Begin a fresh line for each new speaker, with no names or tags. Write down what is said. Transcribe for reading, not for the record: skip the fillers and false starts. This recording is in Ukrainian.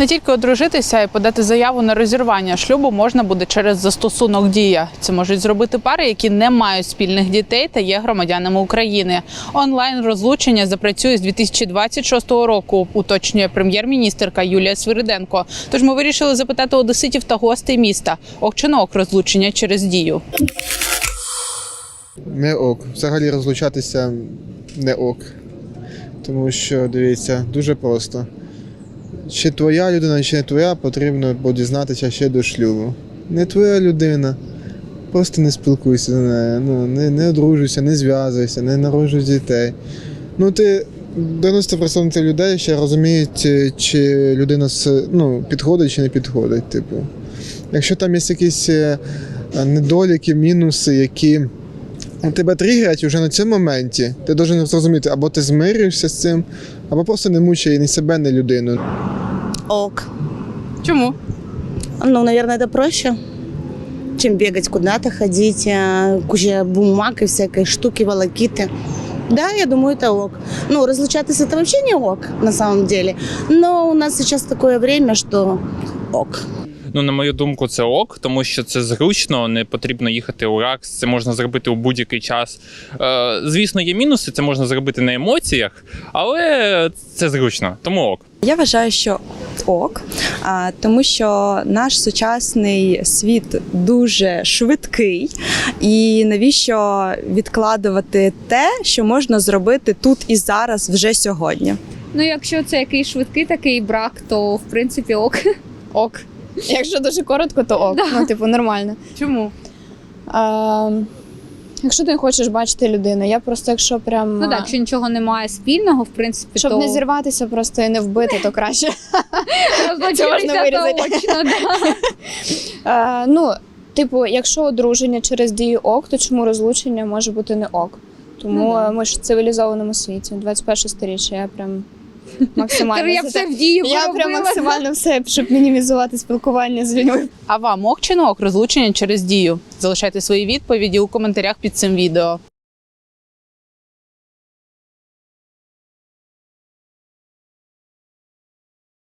Не тільки одружитися і подати заяву на розірвання шлюбу можна буде через застосунок «Дія». Це можуть зробити пари, які не мають спільних дітей та є громадянами України. Онлайн-розлучення запрацює з 2026 року, уточнює прем'єр-міністерка Юлія Свириденко. Тож ми вирішили запитати одеситів та гостей міста, ок чи не ок розлучення через «Дію».
Не ок. Взагалі розлучатися не ок. Тому що, дивіться, дуже просто. Чи твоя людина, чи не твоя, потрібно дізнатися ще до шлюбу. Не твоя людина, просто не спілкуйся з нею, не одружуйся, не зв'язуйся, не народжуй дітей. 90% людей ще розуміють, чи людина підходить чи не підходить. Типу. Якщо там є якісь недоліки, мінуси, які тебе тригерять вже на цьому моменті, ти повинен зрозуміти, або ти змирюєшся з цим, або просто не мучай ні себе, ні людину.
Ок.
Чому?
Наверное, это проще, чем бегать куда-то, ходить, куча бумаг и всякой штуки, волокиты. Да, я думаю, это ок. Разлучаться это вообще не ок, на самом деле. Но у нас сейчас такое время, что ок.
На мою думку, це ок, тому що це зручно, не потрібно їхати у РАКС, це можна зробити у будь-який час. Звісно, є мінуси, це можна зробити на емоціях, але це зручно, тому ок.
Я вважаю, що ок, тому що наш сучасний світ дуже швидкий, і навіщо відкладувати те, що можна зробити тут і зараз, вже сьогодні.
Якщо це якийсь швидкий такий брак, то в принципі ок.
Ок. Якщо дуже коротко, то ок.
Да.
Нормально.
Чому?
Якщо ти не хочеш бачити людину, я просто якщо прям...
Якщо нічого немає спільного, в принципі,
Щоб
то...
не зірватися просто і не вбити, то краще. Це можна вирізати. Якщо одруження через дію ок, то чому розлучення може бути не ок? Тому ми ж в цивілізованому світі, 21 сторіччя, я прям максимально...
Я все в дію
Я
поробила.
прям максимально все, щоб мінімізувати спілкування з людьми.
А вам ок чи не ок розлучення через «Дію»? Залишайте свої відповіді у коментарях під цим відео.